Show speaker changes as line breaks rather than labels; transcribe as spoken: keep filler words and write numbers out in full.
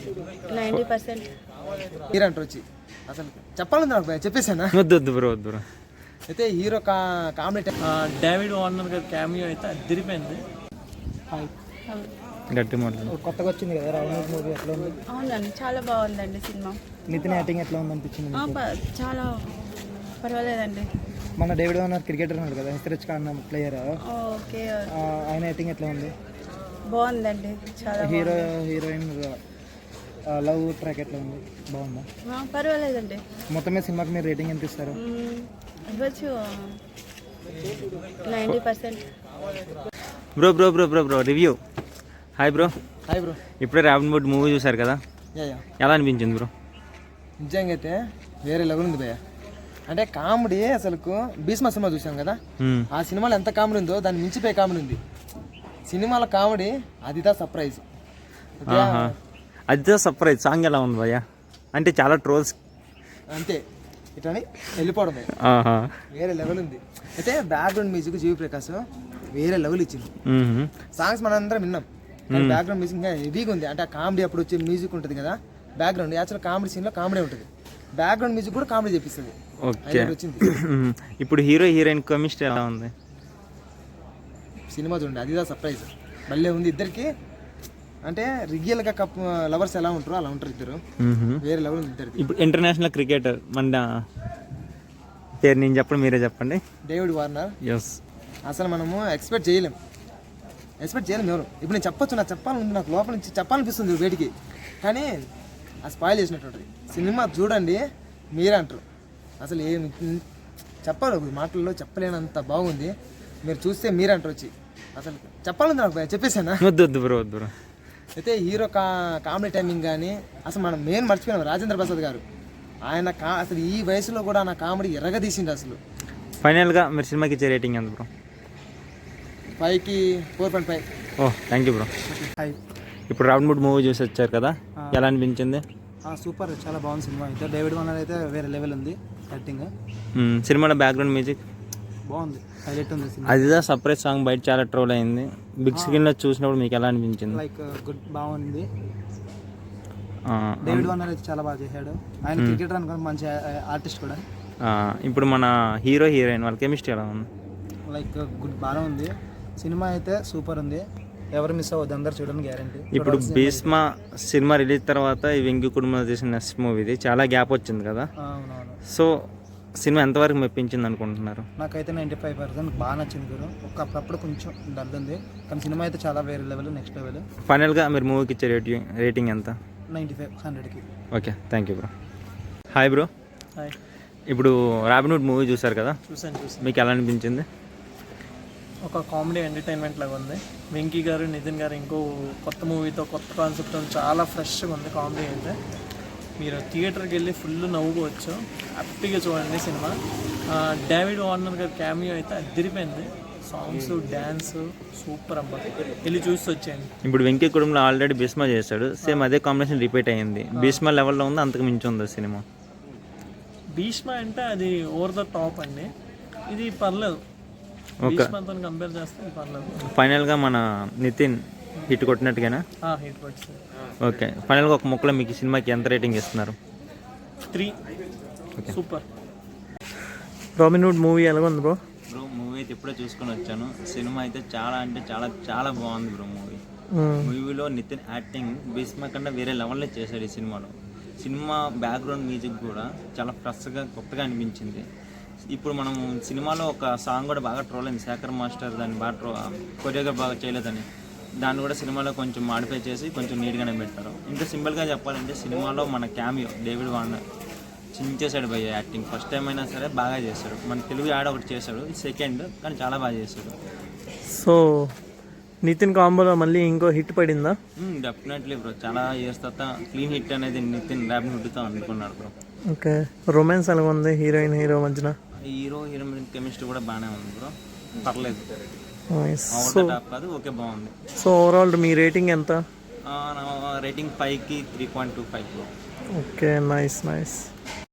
Ninety percent
hero అంటారు వచ్చి అసలు చెప్పాలని నాకు భయ చెప్పేసానా
వద్దు వద్దు బ్రో వద్దు బ్రో.
అయితే హీరో కా కామెడీ
డేవిడ్ వార్నర్ గారి క్యామియో అయితే అదిరిపోయింది.
గట్టి మాటలు.
కొత్తగా వచ్చింది కదా రావణ్ మూవీ ఎట్లా ఉంది?
అవునండి, చాలా బాగుందండి సినిమా.
నితిన్ యాక్టింగ్ ఎట్లా ఉంది అనిపించింది?
ఆ, ప- చాలా పర్వాలేదండి.
మన డేవిడ్ వార్నర్ క్రికెటర్ ఉన్నాడు కదా, హెచ్చరిచ్ ఖాన్ ప్లేయర్,
ఓకే,
ఆయన యాక్టింగ్ ఎట్లా ఉంది?
బాగుందండి, చాలా
హీరో హీరోయిన్ లవ్ ట్రాక్ ఎట్లా ఉంది? బాగుందా?
ఆ, పర్వాలేదండి.
మొత్తం మీద సినిమాకి మీరు రేటింగ్ ఎంత ఇస్తారు?
మ్మ్, ఇవ్వచ్చు ninety percent.
Bro bro bro bro bro review. Hi bro.
Hi bro.
ఇప్పుడే రాబిన్ హుడ్ మూవీ చూసారు కదా,
యా యా
ఎలా అనిపించింది బ్రో?
నిజంగా అయితే వేరే లెవెల్ ఉంది భయ్య. అంటే కామెడీ అసలు భీష్మ సినిమా చూసాం కదా,
మ్మ్.
ఆ సినిమాలో ఎంత కామెడీ ఉందో దాన్ని మించిపోయే కామెడీ ఉంది సినిమాల కామెడీ. అదిదా సర్ప్రైజ్.
ఆహా. అదే సర్ప్రైజ్. సాంగ్ ఎలా ఉంది భయ్యా? అంటే చాలా ట్రోల్స్.
అంతే ఇట్లని వెళ్ళిపోవడం భయ్య.
ఆహా.
వేరే లెవెల్ ఉంది. అయితే బ్యాక్గ్రౌండ్ మ్యూజిక్ జీవి ప్రకాష్ వేరే లెవెల్ ఇచ్చింది.
మ్మ్.
సాంగ్స్ మనం అందరం విన్నాం, కానీ బ్యాక్గ్రౌండ్ మ్యూజిక్ ఇంకా హెవీగా ఉంది. అంటే ఆ కామెడీ అప్పుడు వచ్చే మ్యూజిక్ ఉంటుంది కదా బ్యాక్గ్రౌండ్, యాక్చువల్ కామెడీ సీన్లో కామెడీ ఉంటుంది, బ్యాక్గ్రౌండ్ మ్యూజిక్ కూడా కామెడీ చేపిస్తుంది.
ఓకే.
వచ్చింది.
ఇప్పుడు హీరో హీరోయిన్ కెమిస్ట్రీ ఎలా ఉంది?
సినిమా చూడండి, అదిదా సర్ప్రైజ్. భలే ఉంది ఇద్దరికి. అంటే రియల్గా కప్ లవర్స్ ఎలా ఉంటారో అలా ఉంటారు ఇద్దరు.
మ్మ్.
వేరే లెవెల్ ఉంది ఇద్దరికి.
ఇప్పుడు ఇంటర్నేషనల్ క్రికెటర్ మన పేరు నేను చెప్పండి, మీరే చెప్పండి.
David Warner.
ఎస్.
అసలు మనము ఎక్స్పెక్ట్ చేయలేం, ఎక్స్పెక్ట్ చేయలేం ఎవరు. ఇప్పుడు నేను చెప్పొచ్చు, నాకు చెప్పాలని నాకు లోపల నుంచి చెప్పాలనిపిస్తుంది వేడికి, కానీ ఆ స్పాయిల్ చేసినట్టు సినిమా చూడండి మీరే అంటారు. అసలు ఏం చెప్పాలి మాటల్లో చెప్పలేనంత బాగుంది. మీరు చూస్తే మీరే అంటారు వచ్చి. అసలు చెప్పాలని నాకు భయ చెప్పేసానా?
వద్దు వద్దు బ్రో వద్దు బ్రో.
అయితే హీరో కా కామెడీ టైమింగ్ కానీ అసలు మనం మెయిన్ మర్చిపోయినాం రాజేంద్ర ప్రసాద్ గారు. ఆయన కా అసలు ఈ వయసులో కూడా నా కామెడీ ఎర్రగా తీసిండు అసలు.
ఫైనల్గా మీరు సినిమాకి ఇచ్చే రేటింగ్ ఎంత బ్రో?
ఫైవ్కి four point five.
Oh thank you bro.
Five.
ఇప్పుడు రాబిన్ హుడ్ మూవీ చూసి వచ్చారు కదా, ఎలా అనిపించింది?
సూపర్, చాలా బాగుంది సినిమా. అయితే డేవిడ్ వార్నర్ అయితే వేరే లెవెల్ ఉంది యాక్టింగ్.
మ్మ్. సినిమాలో బ్యాక్గ్రౌండ్ మ్యూజిక్
బాగుంది, హైలైట్ ఉంది సినిమా.
అదిదా సర్ప్రైజ్ సాంగ్ బయట చాలా ట్రోల్ అయింది. బిగ్ స్క్రీన్లో చూసినప్పుడు మీకు ఎలా అనిపించింది?
లైక్ గుడ్, బాగుంది. డేవిడ్ వార్నర్ అయితే చాలా బాగా చేశాడు. ఆయన క్రికెటర్ అనుకో, మంచి ఆర్టిస్ట్ కూడా.
ఆ, ఇప్పుడు మన హీరో హీరోయిన్ వాళ్ళ కెమిస్ట్రీ ఎలా ఉంది?
లైక్ గుడ్, బాగా ఉంది. సినిమా అయితే సూపర్ ఉంది, ఎవరు మిస్ అవ్వద్దు, అందరు చూడని గ్యారంటీ.
ఇప్పుడు భీష్మ సినిమా రిలీజ్ తర్వాత ఈ వెంకీ కుటుంబం చేసిన నెక్స్ట్ మూవీ ఇది చాలా గ్యాప్ వచ్చింది కదా,
అవునవును.
సో సినిమా ఎంతవరకు మెప్పించింది అనుకుంటున్నారు?
నాకైతే నైంటీ ఫైవ్ పర్సెంట్ బాగా నచ్చింది గురు. ఒక అప్పుడప్పుడు కొంచెం డల్ ఉంది, కానీ సినిమా అయితే చాలా వేరే లెవెల్, నెక్స్ట్ లెవెల్.
ఫైనల్గా మీరు మూవీకి ఇచ్చే రేటింగ్ రేటింగ్ ఎంత?
నైంటీ ఫైవ్ హండ్రెడ్కి.
Okay thank you bro. Hi bro.
Hi.
ఇప్పుడు రాబిన్ హుడ్ మూవీ చూసారు కదా,
చూసాను చూసాను
మీకు ఎలా అనిపించింది?
ఒక కామెడీ ఎంటర్టైన్మెంట్ లాగా ఉంది. వెంకీ గారు నితిన్ గారు ఇంకో కొత్త మూవీతో కొత్త కాన్సెప్ట్తో చాలా ఫ్రెష్గా ఉంది కామెడీ అయితే. మీరు థియేటర్కి వెళ్ళి ఫుల్ నవ్వుకోవచ్చు, హ్యాపీగా చూడండి సినిమా. డేవిడ్ వార్నర్ గారి క్యామియో అయితే అదిరిపోయింది. సాంగ్స్, డ్యాన్స్ సూపర్ అబ్బా, వెళ్ళి చూసి వచ్చేయండి.
ఇప్పుడు వెంకీ కుటుంబంలో ఆల్రెడీ భీష్మ చేశాడు, సేమ్ అదే కాంబినేషన్ రిపీట్ అయ్యింది. భీష్మ లెవెల్లో ఉంది, అంతకు మించి ఉంది సినిమా.
భీష్మ అంటే అది ఓవర్ ద టాప్ అండి, ఇది పర్లేదు. భీష్మతో కంపేర్ చేస్తే ఇది పర్లేదు.
ఫైనల్గా మన నితిన్ హిట్ కొట్టినట్టుగానా?
హిట్ వచ్చింది.
ఓకే. ఫైనల్గా ఒక ముక్కలో మీకు ఈ సినిమాకి ఎంత రేటింగ్ ఇస్తున్నారు?
Three. Super.
Robin Hood movie ఎలా ఉంది బ్రో? బ్రో మూవీ అయితే ఇప్పుడే చూసుకొని వచ్చాను. సినిమా అయితే చాలా అంటే చాలా చాలా బాగుంది బ్రో. మూవీ మూవీలో నితిన్ యాక్టింగ్ భీష్మ కన్నా వేరే లెవెల్లో చేశాడు ఈ సినిమాలో. సినిమా బ్యాక్గ్రౌండ్ మ్యూజిక్ కూడా చాలా ఫ్రెష్గా కొత్తగా అనిపించింది. ఇప్పుడు మనం సినిమాలో ఒక సాంగ్ కూడా బాగా ట్రోల్ అయింది, శేఖర్ మాస్టర్ దాన్ని బాగా ట్రో కొరియోగ్రాఫ్ బాగా చేయలేదని, దాన్ని కూడా సినిమాలో కొంచెం మాడిఫై చేసి కొంచెం నీట్గానే పెట్టారు. ఇంకా సింపుల్గా చెప్పాలంటే సినిమాలో మన క్యామియో డేవిడ్ వార్నర్ చించేశాడు భయ్య యాక్టింగ్. ఫస్ట్ టైం అయినా సరే బాగా చేశాడు. మన తెలుగు యాడ్ ఒకటి చేశాడు, సెకండ్ కానీ చాలా బాగా చేశాడు.
సో నితిన్ కాంబోలో మళ్ళీ ఇంకో హిట్ పడిందా?
డెఫినెట్లీ బ్రో, చాలా ఇయర్స్ తర్వాత క్లీన్ హిట్ అనేది నితిన్ రాబిన్ హుడ్తో అనుకున్నాడు బ్రో.
ఓకే. రొమాన్స్ ఎలా ఉంది హీరోయిన్ హీరో మధ్యన?
హీరో హీరోయిన్ కెమిస్ట్రీ కూడా బాగానే ఉంది బ్రో, పర్లేదు.
సో
కాదు ఓకే బాగుంది.
సో ఓవరాల్ మీ రేటింగ్ ఎంత?
రేటింగ్ ఫైవ్కి three point two five bro.
Okay, nice nice.